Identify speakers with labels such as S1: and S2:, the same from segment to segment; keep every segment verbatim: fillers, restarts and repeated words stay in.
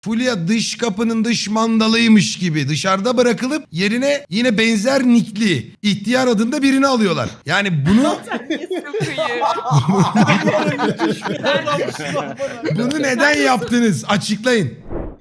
S1: Fulya dış kapının dış mandalıymış gibi dışarıda bırakılıp yerine yine benzer nickli ihtiyar adında birini alıyorlar. Yani bunu bunu neden yaptınız? Açıklayın.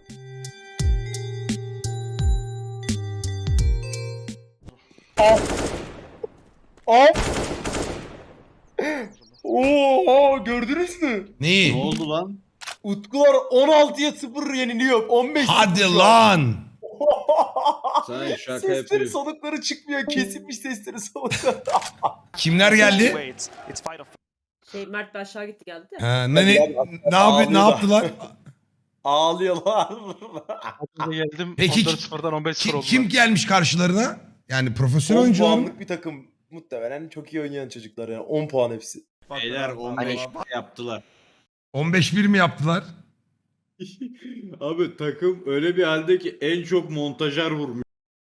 S2: Oo, gördünüz mü?
S1: Neyi?
S3: Ne oldu lan?
S2: Utkular on altıya sıfır yeniliyor. on beş
S1: Hadi lan.
S3: Sen şaka
S2: Sesleri
S3: yapıyorsun.
S2: solukları çıkmıyor. Kesilmiş sesleri solukları.
S1: Kimler geldi?
S4: Şey Mert de aşağı gitti geldi de.
S1: Ha, ne, ne, ne, yapı- ne yaptılar?
S2: Ağlıyorlar.
S5: geldim.
S1: Peki
S5: on dört sıfırdan on beş sıfır
S1: Kim,
S5: oldular.
S1: kim gelmiş karşılarına? Yani profesyonel
S2: on
S1: oyuncular mı?
S2: puanlık bir takım. Muhtemelen çok iyi oynayan çocuklar yani. on puan hepsi.
S3: Beyler on beş yaptılar.
S1: on beş bir mi yaptılar?
S3: Abi takım öyle bir halde ki en çok montajer vurmuş.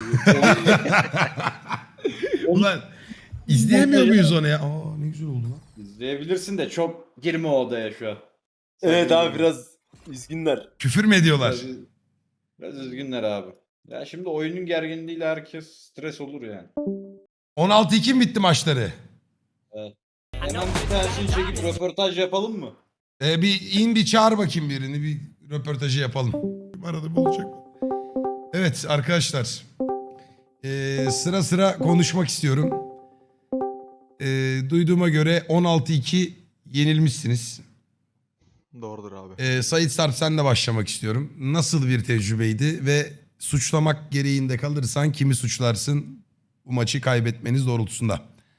S1: Ulan izleyemiyor muyuz onu ya? Aa ne güzel oldu lan.
S3: İzleyebilirsin de çok girme o odaya şu an.
S2: Evet
S3: Sakın
S2: abi
S3: girme.
S2: biraz üzgünler.
S1: Küfür mü ediyorlar?
S3: Biraz, biraz üzgünler abi. Ya şimdi oyunun gerginliğiyle herkes stres olur yani.
S1: on altı iki mi bitti maçları?
S3: Hemen bir tanesini çekip röportaj yapalım mı?
S1: Ee, bir in bir çağır bakayım birini. Bir röportajı yapalım. Arada bulacak. Evet arkadaşlar. Ee, sıra sıra konuşmak istiyorum. Ee, duyduğuma göre on altı iki yenilmişsiniz.
S5: Doğrudur abi.
S1: Ee, Sait Sarp senle başlamak istiyorum. Nasıl bir tecrübeydi ve suçlamak gereğinde kalırsan kimi suçlarsın bu maçı kaybetmeniz doğrultusunda?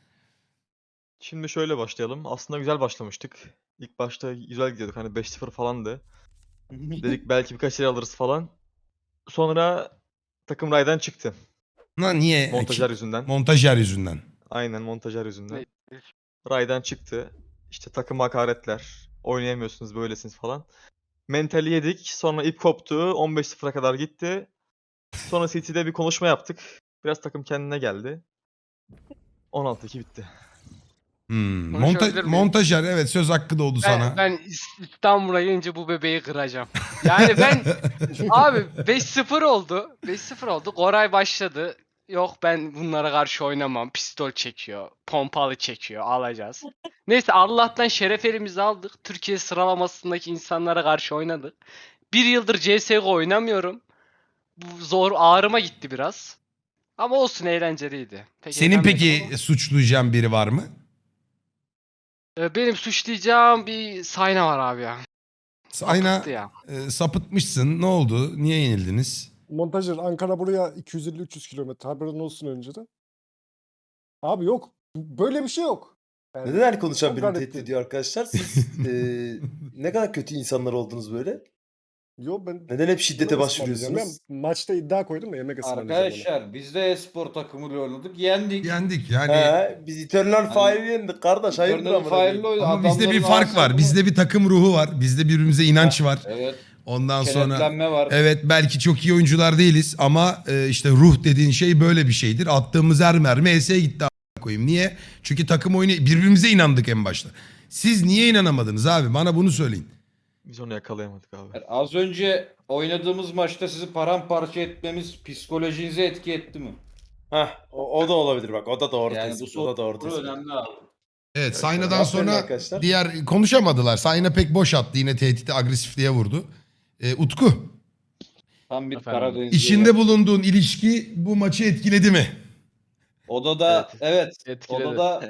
S5: Şimdi şöyle başlayalım. Aslında güzel başlamıştık. İlk başta güzel gidiyorduk. Hani beş sıfır falandı. Dedik belki birkaç şey alırız falan. Sonra takım raydan çıktı.
S1: Na niye?
S5: Montajer yüzünden.
S1: Montajer yüzünden.
S5: Aynen montajer yüzünden. Raydan çıktı. İşte takım hakaretler. Oynayamıyorsunuz böylesiniz falan. Mentali yedik. Sonra ip koptu. on beş sıfıra kadar gitti. Sonra City'de bir konuşma yaptık. Biraz takım kendine geldi. on altı iki bitti.
S1: Hmm.
S6: Konuşabilir
S1: Monta-
S6: miyim?
S1: montajer evet söz hakkı doğdu sana.
S6: Ben, ben İs- İstanbul'a gelince bu bebeği kıracağım. Yani ben abi beş sıfır oldu. beş sıfır oldu. Koray başladı. Yok ben bunlara karşı oynamam. Pistol çekiyor. Pompalı çekiyor. Alacağız. Neyse Allah'tan şeref elimizi aldık. Türkiye sıralamasındaki insanlara karşı oynadık. Bir yıldır C S G O oynamıyorum. Bu zor ağrıma gitti biraz. Ama olsun eğlenceliydi. Pek
S1: Senin
S6: eğlenmedim
S1: peki
S6: ama.
S1: suçlayacağın biri var mı?
S6: Ee, Benim suçlayacağım bir Sayna var abi ya.
S1: Ayna
S6: Sapıttı ya.
S1: e, sapıtmışsın. Ne oldu? Niye yenildiniz?
S7: Montajer Ankara buraya iki yüz elli üç yüz kilometre haberin olsun önceden. Abi yok. Böyle bir şey yok. Yani
S2: Neden her konuşan
S7: çok
S2: birini
S7: garip
S2: tehdit
S7: değil.
S2: ediyor arkadaşlar? Siz eee, ne kadar kötü insanlar oldunuz böyle?
S7: Yo ben
S2: Neden hep şiddete
S7: yemek ısmarlayacağım.
S2: başvuruyorsunuz?
S7: Ben maçta iddia koydum da yemek ısmarlayacağım. ona.
S3: Arkadaşlar biz de e-spor takımıyla oynadık. Yendik.
S1: Yendik yani.
S2: He, biz Eternal Fire'ı yendik kardeş. Hayırdır
S3: Eternal
S2: amına
S3: Fire'lı
S2: koyayım.
S3: oynadık.
S1: Ama bizde bir
S3: Adamların
S1: fark var.
S3: ağzına-
S1: Bizde bir takım ruhu var. Bizde birbirimize inanç var.
S3: Evet.
S1: Ondan sonra
S3: Kenetlenme var.
S1: evet belki çok iyi oyuncular değiliz ama e, işte ruh dediğin şey böyle bir şeydir. Attığımız her mermi E S'ye gitti a**a koyayım. Niye? Çünkü takım oyunu birbirimize inandık en başta. Siz niye inanamadınız abi? Bana bunu söyleyin.
S5: Biz onu yakalayamadık abi.
S3: Yani az önce oynadığımız maçta sizi paramparça etmemiz psikolojinize etki etti mi?
S2: Heh, o, o da olabilir bak. O da doğru
S3: Yani bu
S2: tespit. O da doğru
S3: soru
S2: tespit.
S3: önemli abi.
S1: Evet Sayna'dan
S2: Aferin
S1: sonra
S2: arkadaşlar.
S1: diğer konuşamadılar. Sayna pek boş attı. Yine tehdit agresifliğe vurdu. E, Utku
S3: Tam bir
S6: Efendim?
S3: Karadenizli.
S1: içinde bulunduğun ilişki bu maçı etkiledi mi?
S3: Odada evet.
S6: Etkiledi.
S3: Odada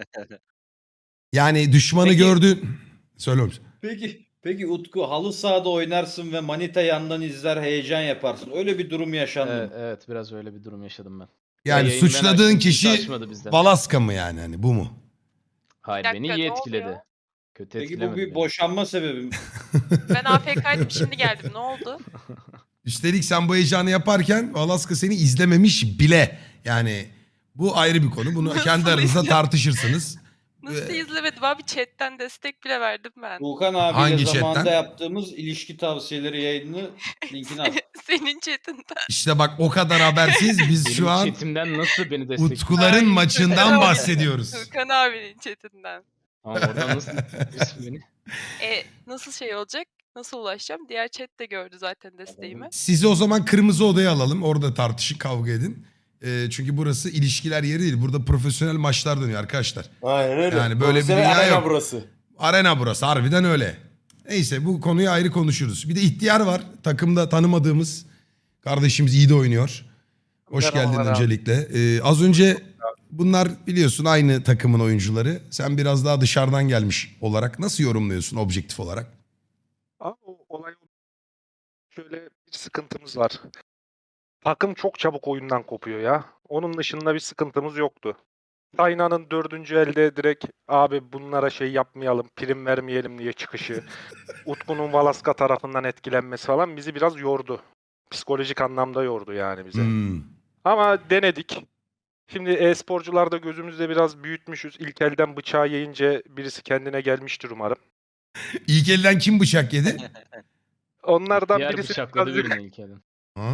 S1: Yani düşmanı
S3: Peki-
S1: gördün. Söyle oğlum.
S3: peki peki Utku halı sahada oynarsın ve manita yandan izler heyecan yaparsın. Öyle bir durum yaşandı
S8: Evet,
S3: mı?
S8: evet biraz öyle bir durum yaşadım ben.
S1: Yani
S8: yayını ben
S1: suçladığın
S8: açtım, kimse
S1: kişi
S8: açmadı bizden.
S1: Valaska mı yani hani bu mu?
S8: Hayır
S9: Bir
S8: beni
S9: dakika,
S8: iyi
S9: ne
S8: etkiledi.
S9: oluyor?
S8: Kötü
S3: Peki bu
S8: etkilemedi
S3: bir
S8: beni.
S3: boşanma sebebi mi?
S9: Ben A F K'ydım şimdi geldim ne oldu?
S1: Üstelik sen bu heyecanı yaparken Valaska seni izlememiş bile. Yani bu ayrı bir konu. Bunu
S9: Nasıl
S1: kendi aranızda
S9: izle-
S1: tartışırsınız.
S9: Nasıl
S1: Ee,
S9: izlemedim abi chatten destek bile verdim ben.
S3: Volkan abiyle
S1: Hangi
S3: zamanında
S1: chatten?
S3: yaptığımız ilişki tavsiyeleri yayını linkini at.
S9: Senin chatinden.
S1: İşte bak o kadar habersiz biz
S8: Benim
S1: şu an
S8: chatimden nasıl beni destekliyor?
S1: Utkuların
S9: Ay,
S1: maçından
S9: Furkan abi.
S1: bahsediyoruz.
S9: Furkan abinin chatinden.
S8: Ama oradan nasıl destekliyorsun beni?
S9: E nasıl şey olacak? Nasıl ulaşacağım? Diğer chat de gördü zaten desteğimi.
S1: Sizi o zaman kırmızı odaya alalım. Orada tartışın, kavga edin. Ee, çünkü burası ilişkiler yeri değil. Burada profesyonel maçlar dönüyor arkadaşlar.
S2: Aynen öyle.
S1: Yani böyle bir
S2: Profesyonel
S1: dünya
S2: arena
S1: yok.
S2: burası.
S1: Arena burası, harbiden öyle. Neyse, bu konuyu ayrı konuşuruz. Bir de ihtiyar var. Takımda tanımadığımız kardeşimiz, iyi de oynuyor. Hoş geldin
S10: Merhabalar abi.
S1: öncelikle. Ee, az önce bunlar biliyorsun aynı takımın oyuncuları. Sen biraz daha dışarıdan gelmiş olarak nasıl yorumluyorsun objektif olarak?
S10: Abi o olay şöyle bir sıkıntımız var. Takım çok çabuk oyundan kopuyor ya. Onun dışında bir sıkıntımız yoktu. Tayna'nın dördüncü elde direkt abi bunlara şey yapmayalım, prim vermeyelim diye çıkışı. Utku'nun Valaska tarafından etkilenmesi falan bizi biraz yordu. Psikolojik anlamda yordu yani bize.
S1: Hmm.
S10: Ama denedik. Şimdi e-sporcularda gözümüzde biraz büyütmüşüz. İlk elden bıçağı yiyince birisi kendine gelmiştir umarım.
S1: İlk elden kim bıçak yedi?
S10: Onlardan
S8: Diğer
S10: birisi
S8: bıçakladı
S10: birazcık,
S8: birini ilk elden.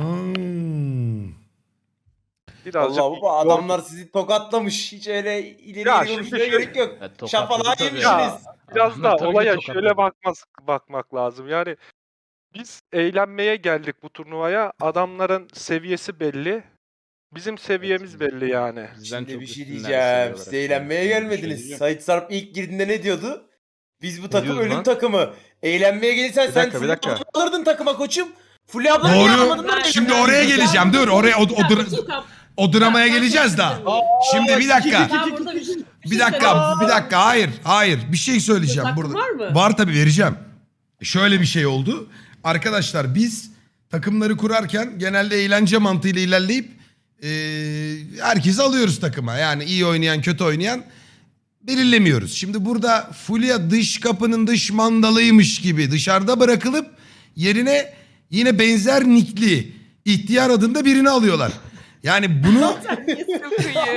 S1: Hmm.
S10: birazcık
S2: Allah bu adamlar sizi tokatlamış. Hiç öyle ileri
S10: Ya
S2: ileri
S10: şimdi
S2: konuşmaya
S10: şöyle-
S2: gerek yok.
S8: Ya, tokatladı
S2: Şafalığa
S8: tabii.
S2: yemişsiniz.
S10: Ya, biraz
S8: Adamlar
S10: da
S8: tabii ki
S10: olaya
S8: tokatladı.
S10: şöyle bakmaz, bakmak lazım. Yani biz eğlenmeye geldik bu turnuvaya. Adamların seviyesi belli. Bizim seviyemiz belli yani.
S8: Bizden
S2: Şimdi
S8: çok
S2: bir şey
S8: üstünler
S2: diyeceğim.
S8: seviye
S2: Siz
S8: olarak.
S2: eğlenmeye
S8: Bir şey
S2: gelmediniz.
S8: diyeceğim.
S2: Sait Sarp ilk girdiğinde ne diyordu? Biz bu takım
S5: diyordu
S2: ölüm
S5: lan?
S2: takımı. Eğlenmeye gelirsen
S5: Bir
S2: sen
S5: dakika, bir
S2: Fulya
S5: dakika.
S2: ablanı alırdın takıma koçum. Fulya ablanı niye almadın lan?
S1: Doğru. Şimdi oraya geleceğim. Dur, oraya o, o, dra- o dramaya geleceğiz daha. Şimdi bir dakika.
S4: Ben burada bir, şey-
S1: Bir
S4: şey
S1: dakika,
S4: söylemek
S1: bir
S4: istiyorum.
S1: dakika. Hayır, hayır. Bir şey söyleyeceğim
S4: Hakkım
S1: burada.
S4: var mı?
S1: Var tabii, vereceğim. Şöyle bir şey oldu. Arkadaşlar biz takımları kurarken genelde eğlence mantığıyla ilerleyip eee herkesi alıyoruz takıma. Yani iyi oynayan, kötü oynayan belirlemiyoruz. Şimdi burada Fulya dış kapının dış mandalıymış gibi dışarıda bırakılıp yerine yine benzer nickli ihtiyar adında birini alıyorlar. Yani bunu
S9: Çok iyi.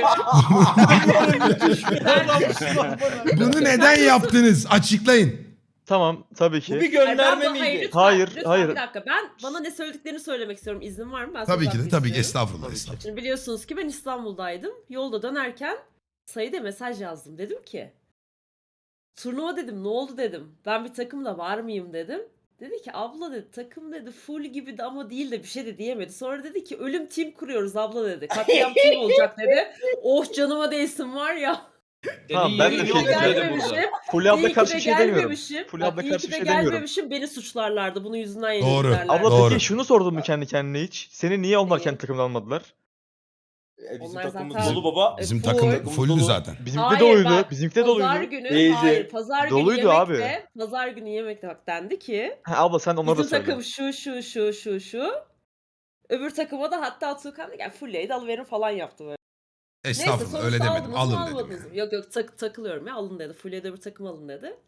S1: bunu neden yaptınız? Açıklayın.
S5: Tamam, tabii ki.
S3: Bu bir
S4: Hayır,
S3: gönderme
S4: ben- hayır,
S3: miydi?
S4: lütfen,
S5: Hayır,
S4: lütfen
S5: hayır.
S4: Bir dakika, ben bana ne söylediklerini söylemek istiyorum. İznin var mı? Ben
S1: Tabii
S4: söz
S1: ki de,
S4: hakkı
S1: tabii ki.
S4: istiyorum.
S1: Estağfurullah, estağfurullah.
S4: Şimdi biliyorsunuz ki ben İstanbul'daydım. Yolda dönerken Sait'e mesaj yazdım. Dedim ki turnuva dedim, ne oldu dedim. Ben bir takımda var mıyım dedim. Dedi ki abla dedi takım dedi full gibi de ama değil de bir şey de diyemedi. Sonra dedi ki ölüm team kuruyoruz abla dedi. Katliam team olacak dedi. Oh canıma değsin var ya.
S5: Tamam,
S3: Senin
S5: ben de
S3: yerin
S5: şey
S3: yok
S5: diyeceğim.
S3: dedi
S4: gelmemişim.
S3: burada.
S5: Fulya abla
S4: İyi ki
S5: karşı
S4: de
S5: bir şey demiyorum.
S4: gelmemişim.
S5: Fulya abla
S4: Bak, iyi
S5: karşı
S4: ki
S5: bir
S4: de
S5: şey demiyorum.
S4: gelmemişim. Beni suçlarlardı. Bunun yüzünden
S1: Doğru.
S4: yenilirlerdi.
S5: Abla
S1: Doğru.
S5: peki şunu sordun mu kendi kendine hiç? Seni niye onlar
S4: Neyi?
S5: kendi takımdan almadılar?
S2: E, bizim
S4: Onlar
S2: takımımız
S4: zaten-
S2: dolu baba.
S1: Bizim
S4: E,
S1: takım
S4: full.
S1: fullü
S2: Dolu.
S1: zaten.
S5: Bizimki de
S4: Hayır,
S5: doluydu.
S4: bak,
S5: Bizimki de
S4: Pazar
S5: doluydu.
S4: günü,
S2: Değildi.
S4: hayır pazar günü
S5: Doluydu
S4: yemekte,
S5: abi.
S4: pazar günü yemekte bak dendi ki
S5: Ha, abla sen onları da
S4: bizim
S5: söyle.
S4: takım şu şu şu şu şu. Öbür takıma da hatta Tuğkan da gel Fulya'yı da alıverin falan yaptı böyle. Neyse
S1: Estağfurullah,
S4: sonuçta
S1: öyle demedim.
S4: aldınız mı,
S1: Alın dedim.
S4: almadınız mı? Yok yok tak, takılıyorum ya alın dedi. Fulya'yı da öbür takım alın dedi.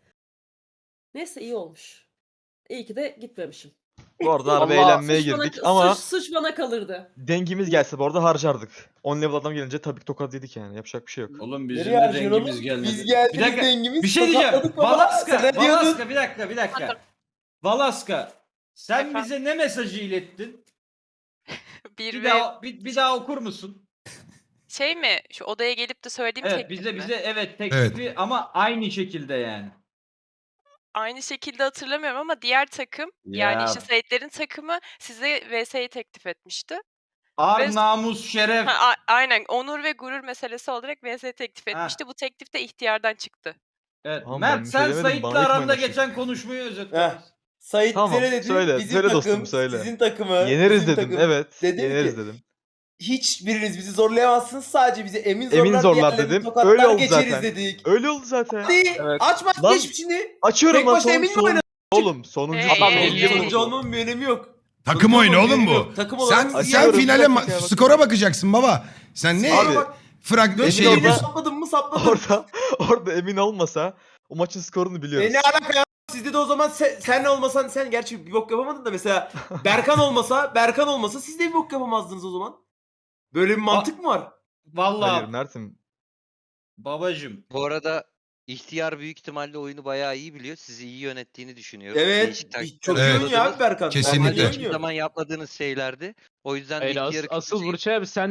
S4: Neyse iyi olmuş. İyi ki de gitmemişim.
S5: Bu arada harbi
S6: Allah,
S5: eğlenmeye
S4: Suç bana-
S5: girdik ama
S4: suç, suç bana kalırdı.
S5: dengimiz gelse bu arada harcardık. on level adam gelince tabii ki tokat yedik yani. Yapacak bir şey yok.
S3: Oğlum bizim
S2: Nereye
S3: de
S2: harcıyorsun
S3: dengimiz
S2: oğlum?
S3: gelmedi.
S2: Biz geldik
S3: Bir dakika,
S2: dengimiz.
S3: bir şey diyeceğim.
S2: tokatladık baba.
S3: Valaska,
S2: Sen ne diyordun?
S3: Valaska bir dakika bir dakika. Valaska sen
S9: Efendim?
S3: bize ne mesajı ilettin?
S9: Bir,
S3: Bir
S9: ve
S3: daha bir, bir daha okur musun?
S9: şey mi? Şu odaya gelip de söylediğim
S3: Evet
S9: teklif
S3: bize
S9: mi?
S3: bize evet teklifi ama aynı şekilde yani.
S9: Aynı şekilde hatırlamıyorum ama diğer takım yani
S3: Ya.
S9: işte Saitlerin takımı size V S'yi teklif etmişti.
S3: Ar
S9: Ve-
S3: namus şeref.
S9: Ha, a- aynen onur ve gurur meselesi olarak V S teklif
S3: Ha.
S9: etmişti. Bu teklif de ihtiyardan çıktı.
S3: Evet.
S5: Tamam, ben
S3: Mert
S5: bir şey
S3: sen
S5: demedim,
S3: Sait'le
S5: bana yıkmayın
S3: aranda
S5: aşağı.
S3: geçen konuşmayı özetle.
S2: Heh. Sait
S5: Tamam,
S2: bize ne dedi?
S5: söyle,
S2: Bizim
S5: söyle
S2: takım,
S5: dostum, söyle.
S2: sizin takımı.
S5: Yeneriz
S2: bizim
S5: dedim.
S2: takım.
S5: Evet.
S2: Dedim
S5: yeneriz
S2: ki,
S5: dedim.
S2: hiçbiriniz bizi zorlayamazsınız. Sadece bize emin zorlar,
S5: Emin zorlar
S2: diğerlerini
S5: dedim.
S2: tokatlar
S5: Öyle oldu
S2: geçeriz
S5: zaten.
S2: dedik.
S5: Öyle oldu zaten.
S2: Hadi
S3: Evet.
S2: aç maç
S5: Lan-
S2: geç şimdi.
S5: Açıyorum
S2: Tek
S5: lan
S2: başına
S5: son,
S2: emin mi
S5: son-
S2: oynadın?
S5: Oğlum sonuncu
S9: Hey,
S5: adam
S9: hey,
S5: oldu.
S9: hey.
S2: Sonuncu olmamın bir önemi yok.
S1: Takım
S2: Sonuncu
S1: oyunu
S2: olmamın
S1: oğlum
S2: bir önemi
S1: bu.
S2: yok. Takım
S1: Sen
S2: olarak
S1: sen
S5: Açıyorum,
S1: finale
S5: bir
S1: ma-
S5: dakika ya, bakın.
S1: skora bakacaksın baba. Sen ne
S5: Abi,
S1: frag
S2: Dört
S1: şey
S5: Emin
S2: şey
S5: orada-
S1: yapıyorsun?
S2: sapladım mı sapladım.
S5: Orada orada emin olmasa o maçın skorunu biliyoruz.
S2: E ne alaka ya? Sizde de o zaman sen, sen olmasan sen gerçi bir bok yapamadın da mesela Berkan olmasa Berkan olmasa siz de bir bok yapamazdınız o zaman. Böyle bir mantık mı var?
S3: Vallahi
S5: Hayır Mert'im.
S3: babacım.
S11: Bu arada ihtiyar büyük ihtimalle oyunu bayağı iyi biliyor. Sizi iyi yönettiğini düşünüyorum.
S2: Evet.
S11: Değişik taktikler
S2: Çok iyi
S1: Evet.
S2: oynuyor abi Berkan.
S1: Kesinlikle.
S11: Normalde
S2: Normalde
S11: hiçbir
S2: oynuyor.
S11: zaman yapmadığınız şeylerdi. O yüzden
S8: Hayır, as-
S11: ihtiyarı
S8: asıl
S11: kötücü-
S8: Burçay abi sen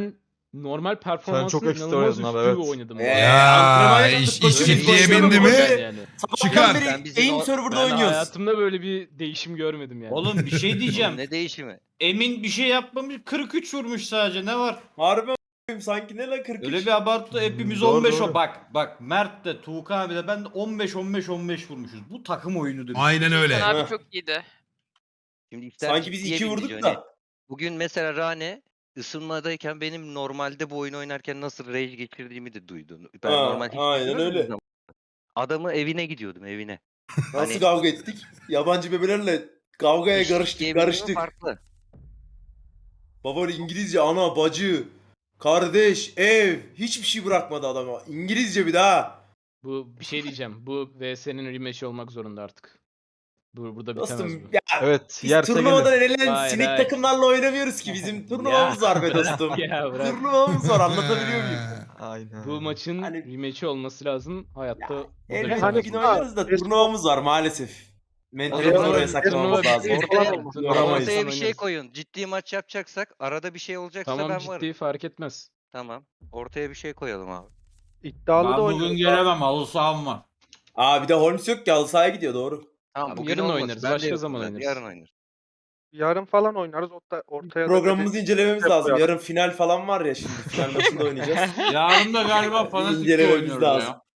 S8: normal performansın
S5: çok ekstra
S8: inanılmaz
S5: oynadın
S8: üstü
S5: abi, evet.
S8: oynadım. bu
S2: Ee,
S8: arada.
S1: Ya,
S2: antrenman yaptık,
S1: iş-
S2: koşuyoruz,
S1: iş ciddiye
S2: koşuyoruz,
S1: bindi mi?
S2: koşuyoruz.
S8: Yani.
S2: Sabahtan
S1: Çıkar.
S2: beri
S11: Sen bizim
S2: aim
S11: o-
S2: server'da
S8: Ben
S2: oynuyoruz.
S8: hayatımda böyle bir değişim görmedim yani.
S3: Oğlum bir şey diyeceğim.
S11: Ne değişimi?
S3: Emin bir şey yapmamış. kırk üç vurmuş sadece. Ne var?
S2: Harbi a**ayım, sanki ne la kırk üç.
S3: Öyle bir abartı hepimiz
S5: Doğru,
S3: on beş
S5: doğru.
S3: o bak bak Mert de Tuğkan abi de ben de on beş on beş on beş vurmuşuz. Bu takım oyunudur.
S1: Aynen öyle.
S9: Sen abi
S2: Heh.
S9: çok iyiydi.
S11: Şimdi işler
S2: Sanki biz
S11: ciddiye
S2: iki
S11: bindi
S2: vurduk
S11: Johnny.
S2: da.
S11: Bugün mesela Rane ısınmadayken benim normalde bu oyunu oynarken nasıl rage geçirdiğimi de duydun. Ben
S2: Ha,
S11: normal hiç
S2: aynen
S11: geçirmezdim
S2: öyle.
S11: ama Adamı evine gidiyordum evine.
S2: Nasıl
S11: Hani-
S2: kavga ettik? Yabancı bebelerle kavgaya
S11: İş
S2: karıştık
S11: ciddiye bindi mi
S2: karıştık.
S11: farklı.
S2: Baba İngilizce ana bacı. Kardeş, ev, hiçbir şey bırakmadı adama. İngilizce bir daha.
S8: Bu bir şey diyeceğim. Bu V S'nin rematch'i olmak zorunda artık. Bu burada bitemez
S2: Dostum
S8: bu.
S2: ya
S5: Evet,
S2: biz
S5: yerse
S2: turnuvadan
S5: gelir.
S2: elenen
S8: Vay
S2: sinek
S8: vay.
S2: takımlarla oynamıyoruz ki. Bizim turnuvamız var be dostum.
S8: Ya bırak.
S2: Turnuvamız var, anlatabiliyor muyum?
S5: Aynen.
S8: Bu maçın
S2: Hani-
S8: rematch'i olması lazım. Hayatta o da
S2: Elbette
S8: bitemez
S2: bir
S8: bu.
S2: gün oynarız da turnuvamız var maalesef. Mentali
S11: zaman
S2: oraya
S11: turnuva-
S2: saklamamız
S8: turnuva
S2: lazım.
S8: bitti.
S11: Ortaya,
S8: Turnuva
S2: Yoramayız.
S11: ortaya bir
S8: oynarız.
S11: şey koyun. Ciddi maç yapacaksak arada bir şey olacaksa
S8: Tamam
S11: ben
S8: ciddi
S11: varım.
S8: fark etmez.
S11: Tamam. Ortaya bir şey koyalım abi.
S10: İddialı
S3: Ben
S10: da
S3: bugün
S10: oynuyoruz.
S3: gelemem. Halı saham var.
S2: Aa bir de Holmes yok ki halı sahaya gidiyor doğru.
S11: Tamam
S8: Abi
S11: bugün
S8: yarın
S11: olmaz.
S8: oynarız,
S11: Ben de
S8: başka
S11: yokum
S8: zaman
S11: zaten,
S8: oynarız.
S11: Yarın oynarız.
S10: Yarın falan oynarız. Orta, ortaya da
S2: Programımızı
S10: böyle-
S2: incelememiz
S10: Hep
S2: lazım.
S10: koyalım.
S2: Yarın final falan var ya şimdi. Final maçında oynayacağız.
S3: Yarın da galiba fanatik
S2: İncelememiz
S3: oynuyoruz
S2: lazım.
S3: ya.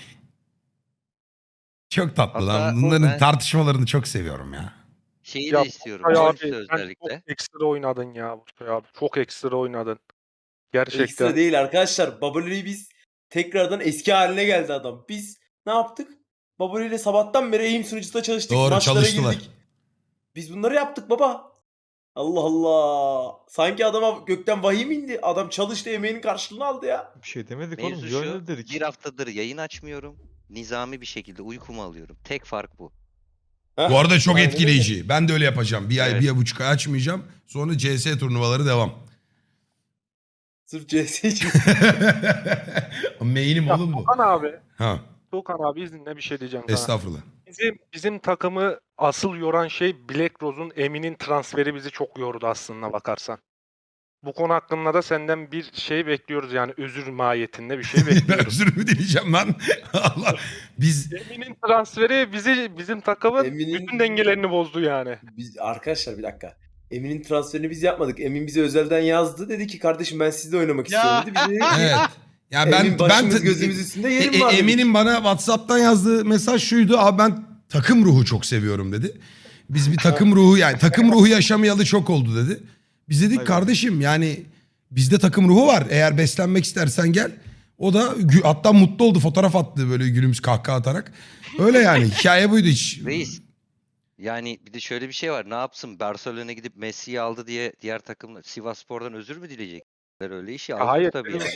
S1: Çok tatlı lan.
S11: Hatta
S1: Bunların
S11: ben-
S1: tartışmalarını çok seviyorum ya.
S11: Şeyi
S10: Ya
S11: de istiyorum.
S10: Burçay
S11: Holmes'u
S10: abi, sen
S11: özellikle.
S10: çok ekstra oynadın ya Burçay abi. Çok ekstra oynadın. Gerçekten.
S2: Ekstra değil arkadaşlar. Bubbly'yi biz tekrardan eski haline geldi adam. Biz ne yaptık? Bubbly ile sabahtan beri eğim sunucuda çalıştık.
S1: Doğru,
S2: Maçlara
S1: çalıştılar.
S2: girdik. Biz bunları yaptık baba. Allah Allah. Sanki adama gökten vahiy mi indi? Adam çalıştı, emeğinin karşılığını aldı ya.
S5: Bir şey demedik
S11: Mevzu
S5: oğlum.
S11: şu,
S5: Yönel dedik.
S11: bir haftadır yayın açmıyorum. Nizami bir şekilde uykumu alıyorum. Tek fark bu.
S2: Heh,
S1: Bu arada çok
S2: aynen
S1: etkileyici. Ben de öyle yapacağım. Bir ay,
S11: Evet.
S1: bir buçuk ay açmayacağım. Sonra C S turnuvaları devam.
S2: öyle. Sırf C S için.
S1: Main'im
S10: Ya,
S1: oğlum bu.
S10: Tuğkan abi.
S1: Ha,
S10: Tuğkan abi izninle bir şey diyeceğim sana.
S1: estağfurullah.
S10: Bizim, bizim takımı asıl yoran şey Black Rose'un Emin'in transferi bizi çok yordu aslında bakarsan. Bu konu hakkında da senden bir şey bekliyoruz yani özür mahiyetinde bir şey
S1: Ben
S10: bekliyoruz.
S1: özür mü dileyeceğim lan? Allah. Biz
S10: Emin'in transferi bizi bizim takımın
S2: Emin'in-
S10: bütün dengelerini bozdu yani.
S2: Biz, arkadaşlar bir dakika. Emin'in transferini biz yapmadık. Emin bize özelden yazdı. Dedi ki kardeşim ben sizle oynamak
S3: Ya.
S2: istiyorum dedi. Biz dedik ki,
S1: evet. Ya ben
S2: Emin başımız
S1: ben
S2: gözümüz üstünde
S1: E-
S2: yerim
S1: e-
S2: var dedik.
S1: Emin'in bana WhatsApp'tan yazdığı mesaj şuydu. Abi ben takım ruhu çok seviyorum dedi. Biz bir takım ruhu yani takım ruhu yaşamayalı çok oldu dedi. Biz dedik
S5: Aynen.
S1: kardeşim yani bizde takım ruhu var. Eğer beslenmek istersen gel. O da gü- hatta mutlu oldu. Fotoğraf attı böyle gülümüz kahkaha atarak. Öyle yani hikaye buydu hiç.
S11: Reis. Yani bir de şöyle bir şey var. Ne yapsın? Barcelona'ya gidip Messi'yi aldı diye diğer takım Sivasspor'dan özür mü dileyecekler? Öyle işi aldık
S10: Hayır.
S11: tabii. Yani.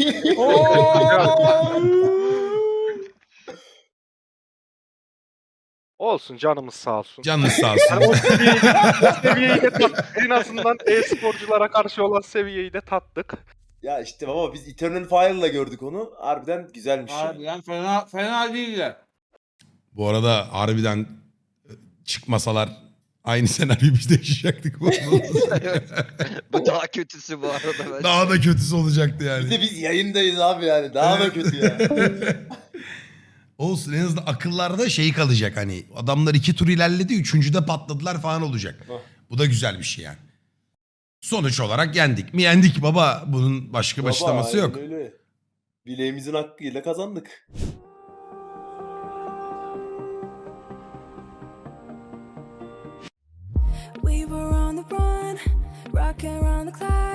S10: Olsun canımız sağ olsun.
S1: Canınız sağ
S10: Yani o
S1: olsun.
S10: seviyeyi, o seviyeyi de tat- en azından e-sporculara karşı olan seviyeyi de tattık.
S2: Ya işte baba biz Eternal Fire'la gördük onu. Harbiden güzelmiş. ya.
S3: Harbiden fena, fena değiller.
S1: Bu arada harbiden e, çıkmasalar aynı senaryoyu biz de yaşayacaktık.
S11: Bu daha kötüsü bu arada. bence.
S1: Daha da kötüsü olacaktı yani.
S2: Bir de biz yayındayız abi yani. Daha da kötü ya.
S1: Olsun en azından akıllarda şey kalacak hani adamlar iki tur ilerledi üçüncüde patladılar falan olacak.
S2: Oh.
S1: Bu da güzel bir şey yani. Sonuç olarak yendik mi yendik baba bunun başka
S2: Baba,
S1: açıklaması
S2: aynen
S1: yok.
S2: Öyle. Bileğimizin hakkıyla kazandık.
S12: We were on the run, rocking around the clock.